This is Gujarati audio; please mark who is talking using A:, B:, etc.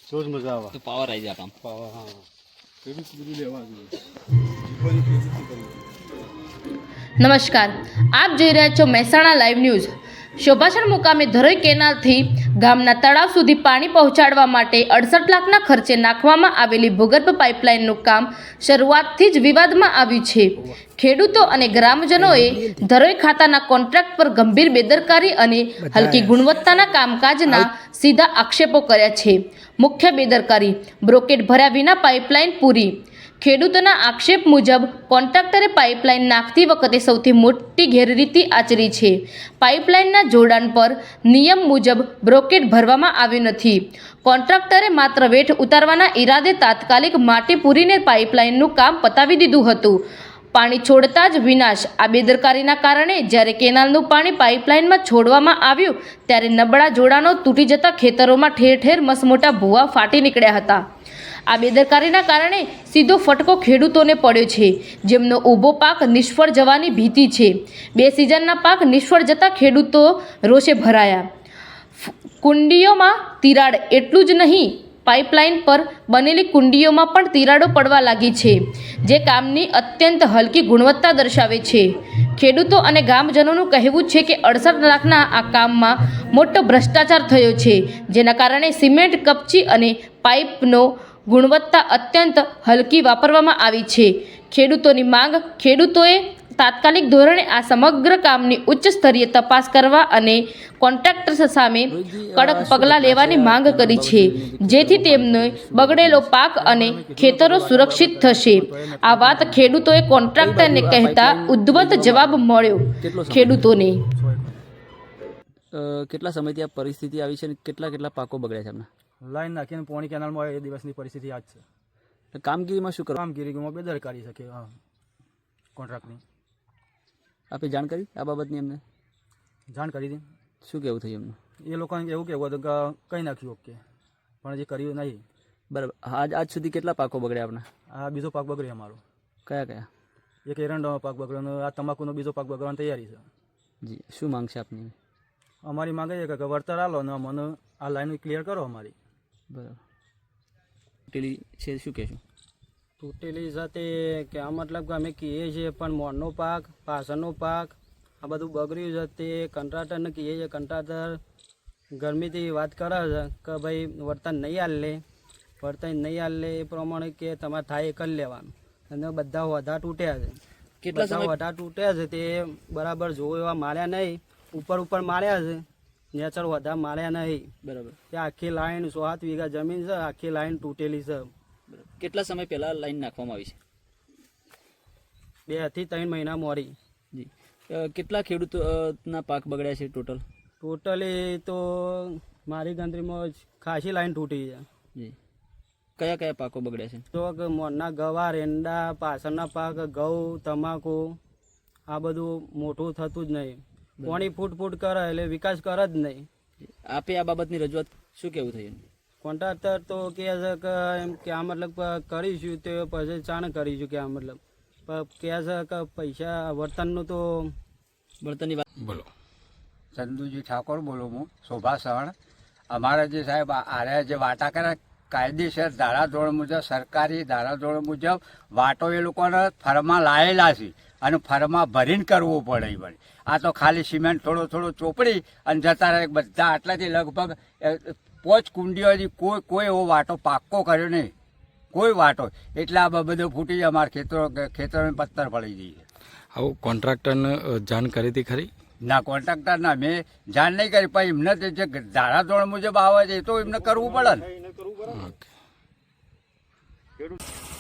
A: તો જ મજા આવે.
B: તો પાવર આવી જાય કામ.
A: પાવા હા ખેડૂત બધું લેવા જોઈએ.
C: નમસ્કાર, આપ જોઈ રહ્યા છો મહેસાણા લાઈવ ન્યૂઝ. શોભાસણ મુકામે ધરોઈ કેનાલથી ગામના તળાવ સુધી પાણી પહોંચાડવા માટે 68 લાખના ખર્ચે નાખવામાં આવેલી ભૂગર્ભ પાઇપલાઇનનું કામ શરૂઆતથી જ વિવાદમાં આવ્યું છે. ખેડૂતો અને ગ્રામજનોએ ધરોઈ ખાતાના કોન્ટ્રાક્ટ પર ગંભીર બેદરકારી અને હલકી ગુણવત્તાના કામકાજના સીધા આક્ષેપો કર્યા છે. મુખ્ય બેદરકારી, બ્રોકેટ ભર્યા વિના પાઇપલાઇન પૂરી. ખેડૂતોના આક્ષેપ મુજબ કોન્ટ્રાક્ટરે પાઇપલાઇન નાખતી વખતે સૌથી મોટી ગેરરીતિ આચરી છે. પાઇપલાઇનના જોડાણ પર નિયમ મુજબ બ્રોકેટ ભરવામાં આવ્યું નથી. કોન્ટ્રાક્ટરે માત્ર વેઠ ઉતારવાના ઈરાદે તાત્કાલિક માટી પૂરીને પાઇપલાઇનનું કામ પતાવી દીધું હતું. પાણી છોડતા જ વિનાશ. આ બેદરકારીના કારણે જ્યારે કેનાલનું પાણી પાઇપલાઇનમાં છોડવામાં આવ્યું ત્યારે નબળા જોડાણો તૂટી જતા ખેતરોમાં ઠેર ઠેર મસમોટા ભૂવા ફાટી નીકળ્યા હતા. આ બેદરકારીના કારણે સીધો ફટકો ખેડૂતોને પડ્યો છે, જેમનો ઊભો પાક નિષ્ફળ જવાની ભીતિ છે. 2 સિઝનના પાક નિષ્ફળ જતા ખેડૂતો રોષે ભરાયા. કુંડીઓમાં તિરાડ એટલું જ નહીં, પાઇપલાઇન પર બનેલી કુંડીઓમાં પણ તિરાડો પડવા લાગી છે, જે કામની અત્યંત હલકી ગુણવત્તા દર્શાવે છે. ખેડૂતો અને ગામજનોનું કહેવું છે કે 68 લાખના આ કામમાં મોટો ભ્રષ્ટાચાર થયો છે, જેના કારણે સિમેન્ટ, કપચી અને પાઇપનો ગુણવત્તા અત્યંત હલકી વાપરવામાં આવી છે. ખેડૂતોની માંગ, ખેડૂતોએ તાત્કાલિક ધોરણે આ સમગ્ર કામની ઉચ્ચ સ્તરીય તપાસ કરવા અને કોન્ટ્રાક્ટર્સ સામે કડક પગલાં લેવાની માંગ કરી છે, જેથી તેમનો બગડેલો પાક અને ખેતરો સુરક્ષિત થશે. આ વાત ખેડૂતોએ કોન્ટ્રાક્ટરને કહેતા ઉદ્ધત જવાબ મળ્યો ખેડૂતોને.
B: કેટલા સમયથી આ પરિસ્થિતિ આવી છે અને કેટલા પાકો બગડ્યા છે એમના?
A: લાઈન નાખીને પોણી કેનાલમાં એ દિવસની પરિસ્થિતિ આ જ છે.
B: કામગીરીમાં શું કરવા?
A: કામગીરીમાં બેદરકારી શકે કોન્ટ્રાક્ટની.
B: આપે જાણ કરી આ બાબતની? એમને
A: જાણ કરી હતી.
B: શું કહેવું થયું એમનું?
A: એ લોકોને એવું કહેવું હતું કે કંઈ નાખ્યું ઓકે, પણ હજી કર્યું નહીં.
B: બરાબર. આજ સુધી કેટલા પાકો બગડ્યા આપણા?
A: આ બીજો પાક બગડ્યો અમારો.
B: કયા?
A: એક એરંડાનો પાક બગડ્યો, આ તમાકુનો બીજો પાક બગડવાની તૈયારી છે.
B: જી, શું માંગ છે આપની?
A: અમારી માંગ એ કે વળતર આલો ને મને આ લાઈન ક્લિયર કરો અમારી.
B: બરાબર. તૂટેલી છે, શું કહેશું?
D: તૂટેલી સાથે કે આ મતલબ કે અમે કહીએ છીએ, પણ મોરનો પાક, પાછળનો પાક આ બધું બગડ્યું છે. તે કંટ્રાક્ટરને કહીએ છીએ, કંટ્રાક્ટર ગરમીથી વાત કરે છે કે ભાઈ વર્તન નહીં હાલે, એ પ્રમાણે કે તમારે થાય એ કરી લેવાનું. અને બધા વધા તૂટ્યા છે.
B: કેટલા
D: વધા તૂટ્યા છે તે બરાબર જોવો એવા માર્યા નહીં. ઉપર માર્યા છે, નેચર વધા માર્યા નહીં.
B: બરાબર.
D: તે આખી લાઈન 107 વીઘા જમીન છે, આખી લાઈન તૂટેલી છે.
B: કેટલા સમય પહેલા લાઈન નાખવામાં આવી છે?
D: 2 થી 3 મહિના મોડી.
B: જી. કેટલા ખેડૂતોના પાક બગડ્યા છે ટોટલ?
D: ટોટલી તો મારી ગણતરીમાં ખાસી લાઈન તૂટી છે.
B: જી. કયા પાકો બગડ્યા છે?
D: તો કે મોરના ગવાર, એંડા, પાછળના પાક, ઘઉં, તમાકુ આ બધું મોટું થતું જ નહીં. પાણી ફૂટ કરે એટલે વિકાસ કરે જ નહીં.
B: આપે આ બાબતની રજૂઆત શું કહેવું થયું?
D: કોન્ટ્રાક્ટર તો કહે છે કે એમ કે આ મતલબ કરીશું તે પછી ચાણ કરીશું, કે આ મતલબ કહે છે કે પૈસા વર્તનનું તો
B: બળતણની વાત
E: બોલો. ચંદુજી ઠાકોર બોલું હું, શોભાસણ. અમારા જે સાહેબ આર્યા જે વાટા કરે કાયદેસર ધારાધોરણ મુજબ, સરકારી ધારાધોરણ મુજબ વાટો એ લોકોને ફરમાં લાયેલા છે અને ફરમાં ભરીને કરવું પડે. વળી આ તો ખાલી સિમેન્ટ થોડો ચોપડી અને જતા રહે બધા. આટલાથી લગભગ 5 કુંડીઓથી કોઈ એવો વાટો પાક્કો કર્યો નહીં, કોઈ વાટો. એટલે આ બધું ફૂટી અમારા ખેતરોને પથ્થર પડી જઈએ.
F: આવું કોન્ટ્રાક્ટરને જાણ કરી હતી ખરી?
E: ના, કોન્ટ્રાક્ટર ના મેં જાણ નહીં કરી, પણ એમને જે ધારાધોરણ મુજબ આવે છે એ તો એમને કરવું પડે ને.
F: ઓકે.